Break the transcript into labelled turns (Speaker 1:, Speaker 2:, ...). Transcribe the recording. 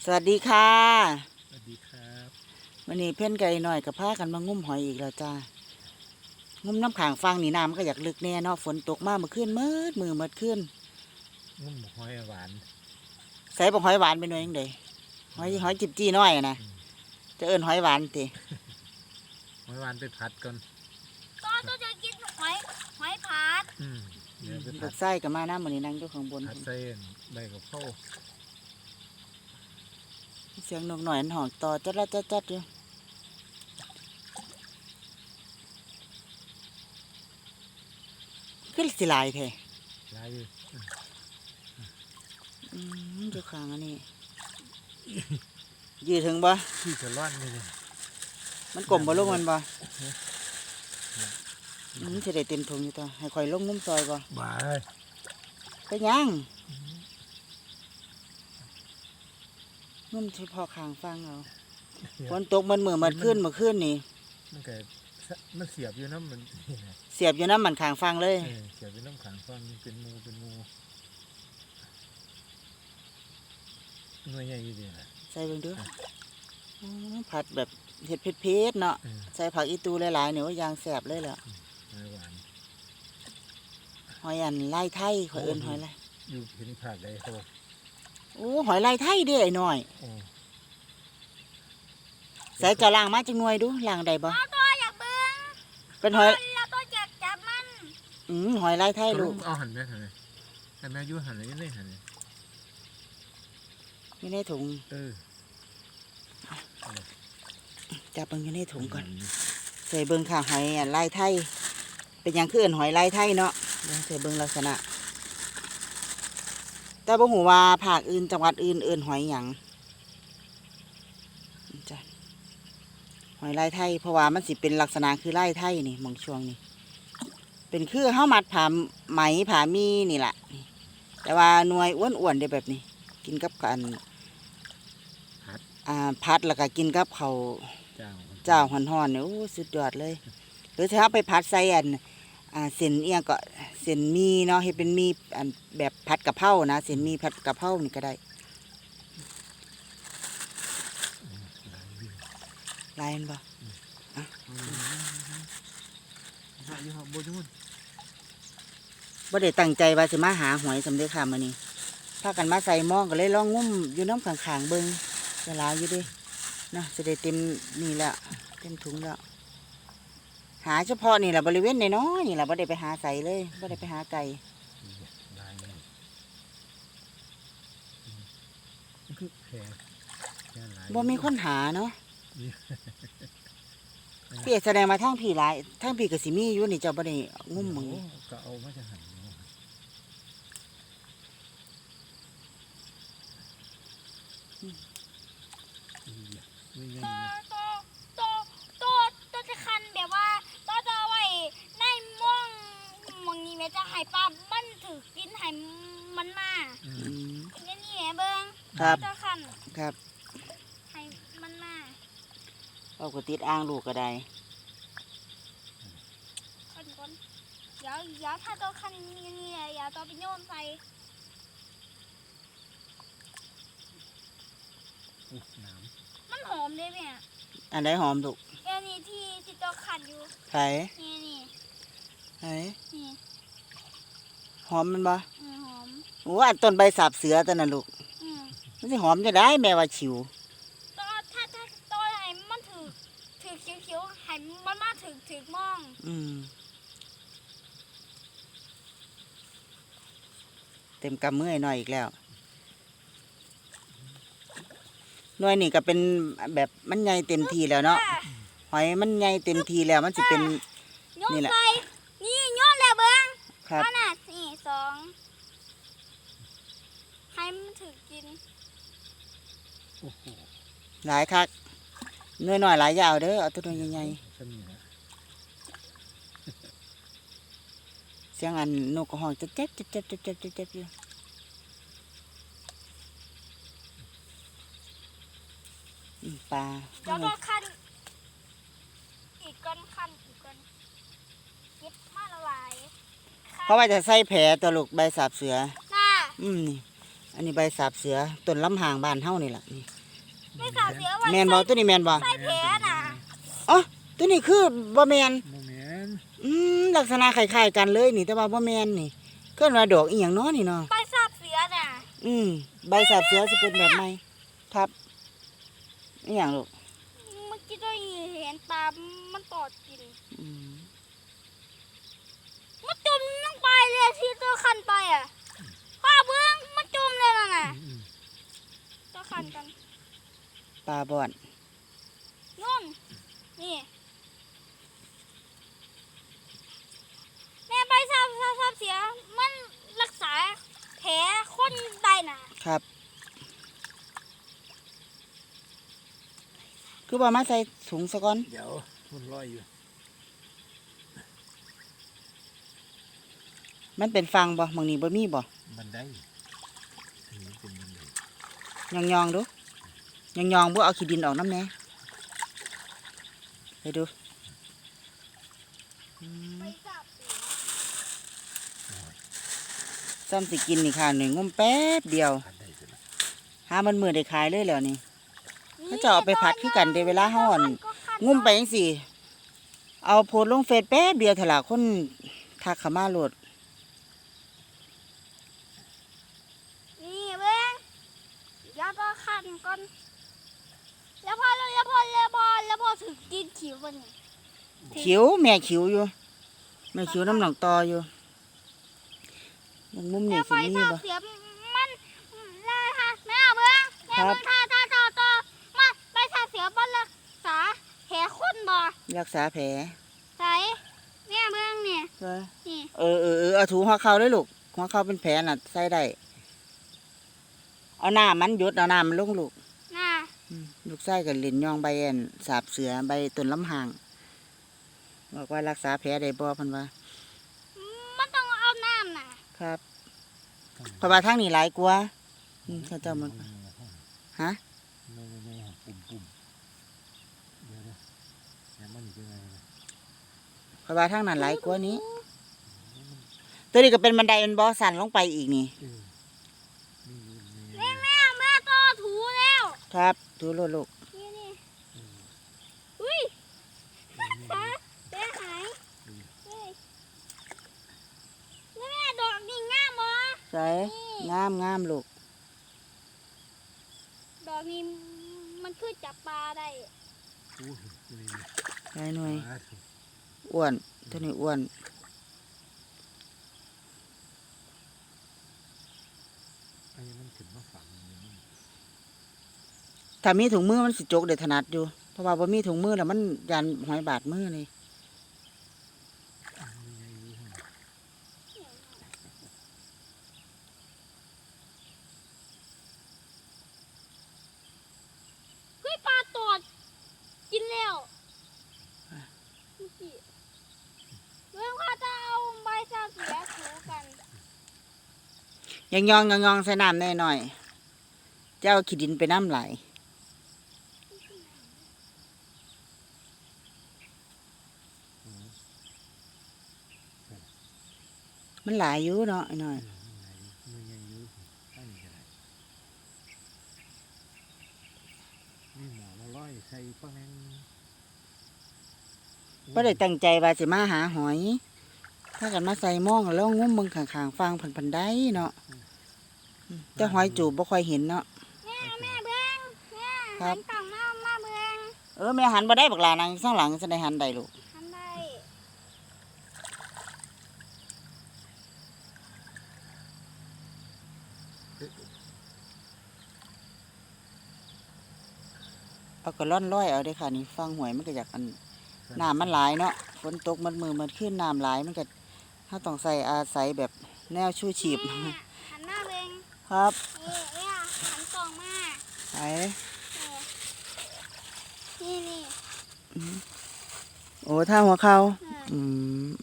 Speaker 1: สวัสดีค่ะ
Speaker 2: สวัสดีครับ
Speaker 1: วันนี้เพื่อนไก่หน่อยกับพากันมางุ้มหอยอีกแล้วจ้างุ้มน้ำขางฟังนี่น้ำก็อยากลึกแน่เนาะฝนตกมาเมื่อคืนมือขึ้น
Speaker 2: งุ้มหอยหวาน
Speaker 1: ใส่บอกหอยหวานไปหน่อยยังไงหอยจิบจี้น้อยนะจะเอิ้นหอยหวานที
Speaker 2: หอยหวานไปผัดก่อน
Speaker 3: ก็จะกินหอยผัด
Speaker 2: เดี๋ยวไปผั
Speaker 1: ลู
Speaker 2: ด
Speaker 1: กไส้กับมาน้ำมันนี่นั่งอยู่ข้างบน
Speaker 2: ผัดเส้นใบกะเพรา
Speaker 1: เสียงนกหน่อยหอนต่อจัดอยู่ขึ้นสิลายแท้
Speaker 2: ลายอยู่
Speaker 1: อยู่ข้างอันนี้ยืดถึงบ่
Speaker 2: ขี้จะร่อนเลย
Speaker 1: มันกลมบ่ลูกมันบ่จะได้เต็มถุงอยู่ต่อให้คอยลงงุ้มซอยบ่
Speaker 2: บ้า
Speaker 1: ไปยังงุ้มเฉพาะข้างฟังเอาฝนตกมันขึ้นนี่
Speaker 2: มันเกิดมันเสียบอยู่น้ำมัน
Speaker 1: เสียบอยู่น้ำมันข้างฟังเลย
Speaker 2: เสียบอยู่น้ำขังฟังเป็นงูหน่วยใหญ่ดีนะ
Speaker 1: ใส่เบิ่งดูผัดแบบเห็ดเพชรเนาะใส่ผักอีตูหลายๆเนี่ยว่ายางแสบเลยแหละ
Speaker 2: หอยหวาน
Speaker 1: หอยอันไล่ไทยขอยเอิ้นหอยอะไร
Speaker 2: อยู่เห็นผักได้โห
Speaker 1: โอ้หอยไล่ไทยเด้ไอ้น้อยใส่จะล้างมาจังหน่วยดูล้างได้บ่
Speaker 3: ตัวอยากเบิ้ง
Speaker 1: เป็นหอย
Speaker 3: แล้วตัวอยากจับมัน
Speaker 1: หอยไล่ไทยลูก
Speaker 2: เอาหั่นไหมหั่นไหมแต่แม่ยุ่หั่นเลยยังไงหั่นเลย
Speaker 1: อยู่ในถุงจับเบิ่งอยู่ในถุงก่อนใส่เบิ่งค่ะหอยไล่ไทยเป็นอย่างคือหอยไล่ไทยเนาะใส่เบิ่งลักษณะแต่บ่ฮู้ว่าภาคอื่นจังหวัดอื่นเอิ้นหอยหยังจ้ะหอยไล่ไทยเพราะว่ามันสิเป็นลักษณะคือไล่ไทยนี่มองช่วงนี้เป็นคือเฮามัดผ้าไหมผ้ามีนี่แหละแต่ว่าหน่วยอ้วนๆได้แบบนี้กินกับกันพัดแล้วก็กินกับข้าวเจ้าห่อนๆเนี่ยโอ้สุดยอดเลยหรือถ้าไปพัดใส่เส้นเอียงก็เส้นมีเนาะให้เป็นมีแบบผัดกะเพรานะเส้นมีผัดกะเพรานี่ก็ได้ลายมันบ่บ่ได้ตั้งใจว่าสิมาหาหอยสำเร็จค่ะมื้อนี้พากันมาใส่หม้อก็เลยลองงุ้มอยู่น้ำข้างๆเบิ่งเวลาอยู่ดินะจะได้เต็มนี่แหละเต็มถุงแล้วหาเฉพาะนี่แหละบริเวณน้อยนี่แหละบ่ได้ไปหาใส่เลยบ่ได้ไปหาไก่บ่มีคนหาเนาะพี่แสดงมาทั้งพี่หลายทั้งพี่กับสิมีอยู่นี่เจ้าบ่ได้งุ้มมึง
Speaker 2: ก็เอามาจะหัน
Speaker 3: ตัวจะคันแบบว่าตัวจะไว้ในม่วงมองนี้แม่จะให้ปลามันถือกินให้มันมานี่แม่เบิ้งจะคัน
Speaker 1: ครับ
Speaker 3: ให้มันมา
Speaker 1: เอากระติดอ่างลูกก็ได้
Speaker 3: คนเดี๋ยวถ้าตัวคันนี่เดี๋ยวตัวไปโยนใส่มันหอมเลยแม่
Speaker 1: อันไหนหอมถูก
Speaker 3: นี่ที่ตัวคันอยู่
Speaker 1: ไข่
Speaker 3: นี่
Speaker 1: ไข่
Speaker 3: นี่
Speaker 1: หอมมันบ่
Speaker 3: หอม
Speaker 1: โอ้อันต้นใบสาบเสือตัวนั้นลูกมันสิหอมจะได้แม่ว่าฉิว
Speaker 3: ตัวถ้าตัวให้มันถือเขียวให้มันมาถือมอง
Speaker 1: เต็มกำมือหน่อยอีกแล้วหน่วยนี่ก็เป็นแบบมันใหญ่เต็มทีแล้วเนาะหอยมันใหญ่เต็มทีแล้วมันจะเป็น
Speaker 3: นี่แหละนี่ยอดแล้วเบิ้ง
Speaker 1: ครับ
Speaker 3: น่ะนี่2ให้มันถือกิน
Speaker 1: หลายคักหน่อยหลายยาวเด้อเอาตัวใหญ่เสียงอันนกกระห้องจะเจ็บอยู่ปลา
Speaker 3: เดี๋ยวต้องคันอีกก้อนเก็บมาละลาย
Speaker 1: เพราะว่าจะใส่แผลตัวลูกใบสาบเสือ
Speaker 3: น่ะ
Speaker 1: นี่อันนี้ใบสาบเสือต้นลำหางบ้านเฮานี่ล่ะนี่
Speaker 3: ไม่สาบเสือไว้
Speaker 1: แมนบ่ตัวนี้แมนบ่
Speaker 3: ใส่แผลน่ะ
Speaker 1: อ๋อตัวนี้คือบ่แมน
Speaker 2: โมเมนต์
Speaker 1: ลักษณะคล้ายๆกันเลยนี่แต่ว่าบ่แมนนี่เคลื่อนว่าดอกอีหยังเนาะนี่เนาะ
Speaker 3: ใบสาบเสือน่ะ
Speaker 1: ใบสาบเสือสิเป็นแบบไหนครับอีหยังลูก
Speaker 3: เมื่อกี้ได้เห็นตามันตอดกิน
Speaker 1: อืม
Speaker 3: มันจมลงไปเลยที่ตัวคันไปอ่ะข้าเบื้องมันจมเลยน่ะตัวคันกัน
Speaker 1: ปลาบอน
Speaker 3: นู่นนี่แม่ใบสาบเสือมันรักษาแผลคนได้น่ะ
Speaker 1: ครับ คือว่ามาใส่ถุงซะก่อน
Speaker 2: เดี๋ยวมันลอยอยู่
Speaker 1: มันเป็นฟังบ่บางนี้บ่มีบ่
Speaker 2: บันไดอันนี้เป็นบันได
Speaker 1: ยองๆดูยองๆบ่เอาขี้ดินออกน้ำแหน่ไปดู
Speaker 3: ใบสาบเสือ
Speaker 1: ซ้ำสิกินนี่ค่ะหนึ่งงมแป๊บเดียว
Speaker 2: บันไดเป็น
Speaker 1: หามันมือได้ขายเลยแล้วนี่ เขาจะเอาไปผัดคือกันเดเวลาเฮาอั่น งุ่มไปจังซี่เอาโพสต์ลงเฟซแป๊บเดียวเถอะล่ะคนทักเข้ามาโหลด
Speaker 3: นี่เบ้งแล้วก็คันก่อนแล้วพอถึงกินขิววันนี้
Speaker 1: ขิวแม่ขิวอยู่แม่ขิวน้ำหนองตออยู่มุมนี่
Speaker 3: แล้วไฟ
Speaker 1: สิมี
Speaker 3: สาบ
Speaker 1: บ่
Speaker 3: เสือมันล่าค่ะแม่เบ้งแม่เบ้งท่าต่อมาใบสาบเสือมันรักษาแผลคนบ่
Speaker 1: รักษาแผล
Speaker 3: ใส่แม่เบ้งเนี่ย
Speaker 1: เออ
Speaker 3: นี่
Speaker 1: เอาถูหัวเข่าเลยลูกหัวเข่าเป็นแผลน่ะใส่ได้เอาน้ามันหยดเอาน้ามันลงลูก
Speaker 3: น่ะ
Speaker 1: ลูกไส้กับลินยองใบอันสาบเสือใบต้นลำหางบอกว่ารักษาแผลได้บ่เพันว่า
Speaker 3: มันต้องเอาน้ำน่ะ
Speaker 1: ครับเพราะว่าทางนี้หลายกว่าเขาเจ้ามันฮะ
Speaker 2: ไม่ปุ่มเดี๋ยวนะแล้วมันเป็นไงนะ
Speaker 1: เพราะว่าทางนั้นหลายกว่านี้ ตัวนี้ก็เป็นบันไดเป็นบ่อสั่นลงไปอีกนี่
Speaker 3: แม่ต่อถูแล้ว
Speaker 1: ครับดูโลดลูก
Speaker 3: นี่อุ้ยขาเสียหายเฮ้ยแล้วแม่ดอกนี่งามบ่
Speaker 1: ใส่งามลูก
Speaker 3: ดอกนี้มันคือจับปลาได้
Speaker 2: อู้หูนี่
Speaker 1: ใส่หน่วย
Speaker 2: มา
Speaker 1: อ้วนตัวนี้อ้วน
Speaker 2: อันนี้มันถึงมาฝังอยู่นี่
Speaker 1: ถ้ามีถุงมือมันสิจกได้ถนัดอยู่เพราะว่าบ่มีถุงมือแล้วมันยันหอยบาดมือเลย
Speaker 2: มีไงรู้ไหม
Speaker 3: เฮ้ยปลาตอดกินแล้วเมื่อกี้เรื่องข้าจะเอาใบซาเสียถูกัน
Speaker 1: ยองใส่น้ำแน่หน่อยเจ้าขี้ดินไปน้ำไหลมันหลายอยู่เนาะไอ้หน่อย
Speaker 2: มีไงรู้ตั้งยังไงนี่หมอมาร้อยใส่ป้าแมง
Speaker 1: บ่ได้ตั้งใจว่าสิมาหาหอยถ้ากันมาใส่หม้องแล้วงุ้มเบิ่งข้างๆฟังพันได้เนาะแต่หอยจูบบ่ค่อยเห็นเนาะ
Speaker 3: แม่เบิ้งแม่
Speaker 1: ครั
Speaker 3: หั
Speaker 1: บ
Speaker 3: นกล่องมาเบิ้ง
Speaker 1: แม่หันบ่ได้บักหลานางข้างหลังจะได้หันได้ลูก
Speaker 3: หันได้
Speaker 1: เอาก็ร่อนร้อยเอาเด้อค่ะนี่ฟังหวยมันก็อยากอันน้ำมันหลายเนาะฝนตกมันมือมันขึ้นน้ำหลายมันก็ถ้าต้องใส่อาศัยแบบแนวชูชีพ
Speaker 3: แม่หันหน้าเบิ้ง
Speaker 1: ครับ
Speaker 3: นี่หันกล่องมา
Speaker 1: ไป
Speaker 3: นี่
Speaker 1: โอ้ท่าหัวเขา
Speaker 3: อืม
Speaker 1: อืม